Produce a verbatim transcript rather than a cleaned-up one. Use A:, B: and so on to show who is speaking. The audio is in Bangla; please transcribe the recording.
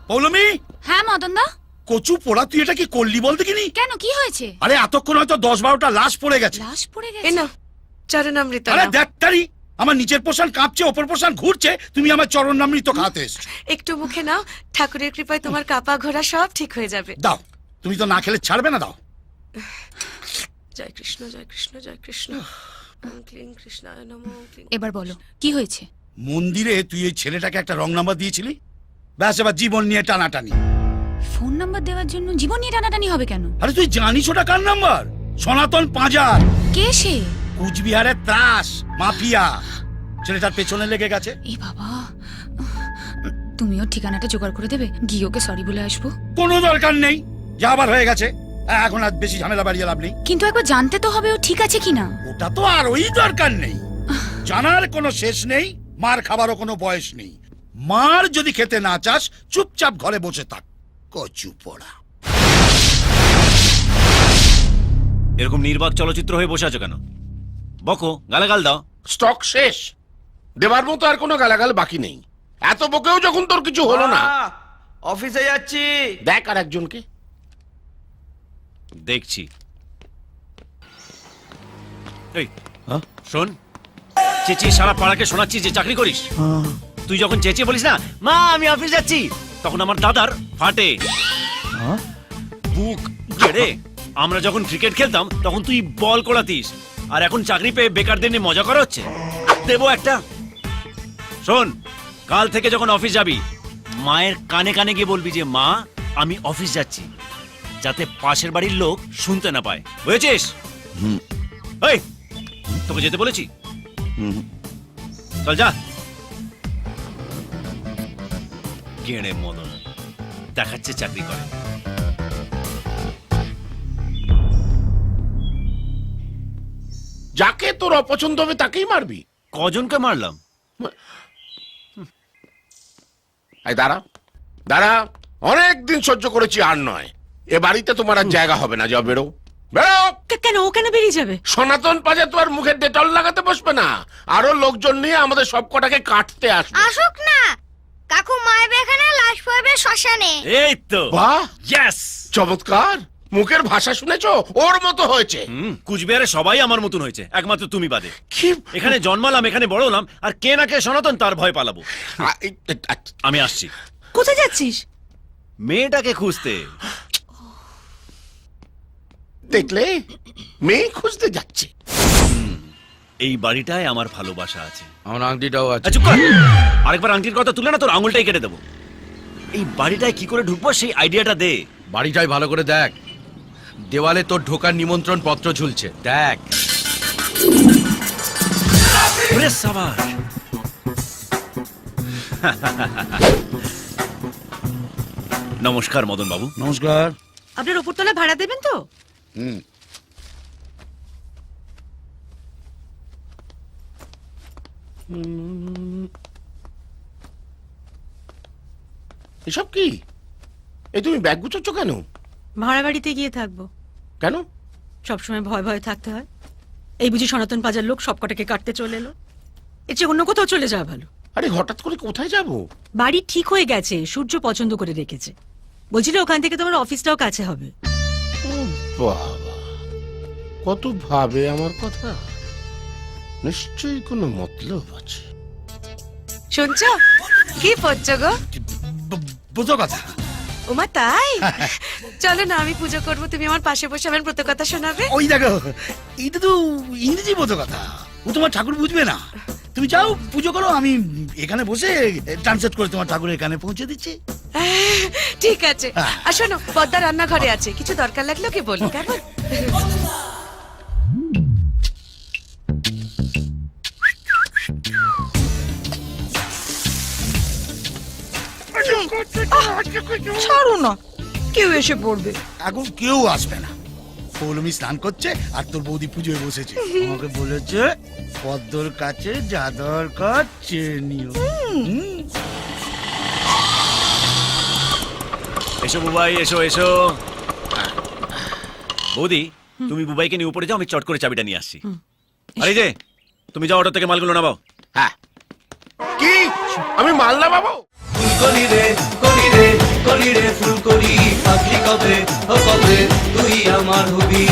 A: পৌলমি।
B: হ্যাঁ মদন দা।
A: কচু পোড়া, তুই এটা কি করলি বল দেখিনি?
B: কেন, কি হয়েছে?
A: আরে এতক্ষণ হয়তো দশ বারোটা লাশ পড়ে গেছে।
B: লাশ পড়ে
C: এ
B: গেছে?
C: না চরণামৃত
A: আরে
C: নাও।
A: দেখ তারি, আমার নিচের পোষণ কাঁপছে, ওপর পোষণ ঘুরছে, তুমি আমার চরণামৃত খাতে এসছো।
C: একটু মুখে নাও, ঠাকুরের কৃপায় তোমার কাপা ঘোরা সব ঠিক হয়ে যাবে।
A: দাও, তুমি তো না খেলে ছাড়বে না, দাও।
C: জয় কৃষ্ণ জয় কৃষ্ণ জয় কৃষ্ণ। ওম ক্লিং কৃষ্ণায় নমঃ। ওম ক্লিং-
B: এবার বলো কি হয়েছে?
A: মন্দিরে তুই এই ছেলেটাকে একটা রং নাম্বার দিয়েছিলি, ব্যাস এবার জীবন নিয়ে টানাটানি।
B: ফোন নাম্বার দেওয়ার জন্য জীবন নিয়ে টানাটানি হবে কেন?
A: আরে তুই জানিস ওটা কার নাম্বার? সনাতন পাঁজার,
B: কে সে?
A: কুচবিহারের ত্রাস মাফিয়া। ছেলেটার পেছনে লেগে গেছে।
B: এই বাবা, তুমিও ঠিকানাটা জোগাড় করে দেবে, গিয়ে ওকে সরি বলে আসবো।
A: কোনো দরকার নেই, যা আবার হয়ে গেছে, এখন আর বেশি ঝামেলা বাড়িয়ে লাভ নেই।
B: কিন্তু একবার জানতে তো হবে ও ঠিক আছে কিনা।
A: ওটা তো আর ওই দরকার নেই, জানার কোনো শেষ নেই, মার খাবারও কোনো বয়স নেই। মার যদি খেতে না চাস, চুপচাপ ঘরে বসে থাক। কচু পোড়া।
D: এরকম নির্বাক চলচ্চিত্র হয়ে বসে আছো কেন? বকো, গালাগাল দাও।
E: স্টক শেষ, দেবার মতো আর কোনো গালাগাল বাকি নেই। এত বকেও যখন তোর কিছু হলো না,
F: মা, অফিসে যাচ্ছি।
E: দেখ আর একজনকে।
D: দেখছি। এই শোন, চেঁচিয়ে সারা পাড়াকে শোনাচ্ছি যে চাকরি করিস। তুই যখন চেঁচিয়ে বলিস না মা আমি অফিস যাচ্ছি, তখন আমার দাদার ফাটে বুক গেড়ে। আমরা যখন ক্রিকেট খেলতাম তখন তুই বল কোড়াতিস, আর এখন চাকরি পেয়ে বেকারদের নিয়ে মজা করা হচ্ছে। দেবো একটা। শোন, কাল থেকে যখন অফিস যাবি, মায়ের কানে কানে গিয়ে বলবি যে মা আমি অফিস যাচ্ছি, যাতে পাশের বাড়ির লোক শুনতে না পায়, বুঝেছিস? এই, তোকে যেতে বলেছি, চল যা। গেঁড়ে মদন দেখাচ্ছে চাকরি করে।
E: যাকে তোর অপছন্দ হবে তাকেই মারবি?
D: কজনকে মারলাম?
E: এই দাঁড়া দাঁড়া, অনেক দিন সহ্য করেছি, আর নয়। এ বাড়িতে তোমার আর জায়গা হবে না, যাও বেরো বেরো।
C: কে- কেন ও কেন বেরিয়ে যাবে?
E: সনাতন পাজে তো আর মুখে ডেটল লাগাতে বসবে না, আরো লোকজন নিয়ে আমাদের সব কটাকে কাটতে আসবে।
G: আসুক না, কাকু মায়ের এখানে লাশ পড়বে শ্মশানে।
D: এই তো,
E: বাহ,
D: ইয়েস।
E: চমৎকার। মুখের ভাষা শুনেছো? ওর মতো হয়েছে।
D: হুম, কুচবিহারে সবাই আমার মতন হয়েছে, একমাত্র তুমি বাদে।
E: কি
D: এখানে জন্মালাম, এখানে বড় হলাম, আর কে না কে সনাতন তার ভয় পালাবো।
E: আ- এই- এই- আচ্ছা,
D: আমি আসছি
C: কোথায় যাচ্ছিস?
D: মেয়েটাকে খুঁজতে।
E: দেখলে, মেয়ে খুঁজতে যাচ্ছে।
D: এই বাড়িটায় আমার ভালোবাসা আছে।
F: আমার আংটিটাও আছে।
D: আচ্ছা, চুপ কর। আরেকবার আংটির কথা তুলে না তোর আঙুলটাই কেটে দেবো। এই বাড়িটায় কি করে ঢুকবো সেই আইডিয়াটা দে।
F: বাড়িটাই ভালো করে দেখ, দেওয়ালে তোর ঢোকার নিমন্ত্রণ পত্র ঝুলছে, দেখ।
D: ওরে সাবাস। নমস্কার মদন বাবু।
A: নমস্কার।
C: আপনার উপরতলা ভাড়া দেবেন তো?
A: হুম,
E: এসব কি? এই তুমি ব্যাগ গুছোচ্ছ কেন?
C: ভাড়া বাড়িতে গিয়ে থাকবো।
E: কেন?
C: সবসময় ভয় ভয় থাকতে হয়। এই বুঝি সনাতন পাজার লোক সব কটাকে কাটতে চলে এলো। এর চেয়ে অন্য কোথাও চলে যাওয়া ভালো।
E: আরে হঠাৎ করে কোথায় যাব?
C: বাড়ি ঠিক হয়ে গেছে, সূর্য পছন্দ করে রেখেছে। বলছিল ওখান থেকে তোমার অফিসটাও কাছে হবে।
E: বাবা, কত ভাবে আমার কথা। নিশ্চয়ই কোনো মতলব আছে।
C: শুনছ কি পড়ছ গো?
A: ব- বুঝো কথা।
C: ওমা তাই? চলো না, আমি পুজো করবো, তুমি আমার পাশে বসে আমার প্রত কথা শোনাবে।
A: ওই দেখো, এইটা তো ইংরেজি বোঝো কথা, ও তোমার ঠাকুর বুঝবে না। তুমি যাও পুজো করো, আমি এখানে বসে ট্রান্সলেট করে তোমার ঠাকুর এখানে পৌঁছে দিচ্ছি।
C: ঠিক আছে। আর শোনো, পদ্মা রান্নাঘরে আছে, কিছু দরকার লাগলো কি বলি, কেমন? ছাড়ো না, কেউ এসে পড়বে।
A: এখন কেউ আসবে না, পৌলমি স্নান করছে আর তোর বৌদি পুজোয় বসেছে। আমাকে বলেছে পদ্মর কাছে যা দরকার চেয়ে নিও। হুম।
D: এসো বুবাই, এসো এসো। বৌদি, তুমি বুবাইকে নিয়ে উপরে যাও, আমি চট করে চাবিটা নিয়ে আসছি। আরে যে, তুমি যাও অটো থেকে মালগুলো নামাও।
E: হ্যাঁ, কি আমি মাল না বাবু?
F: গলি রে গলি রে
H: মাধবী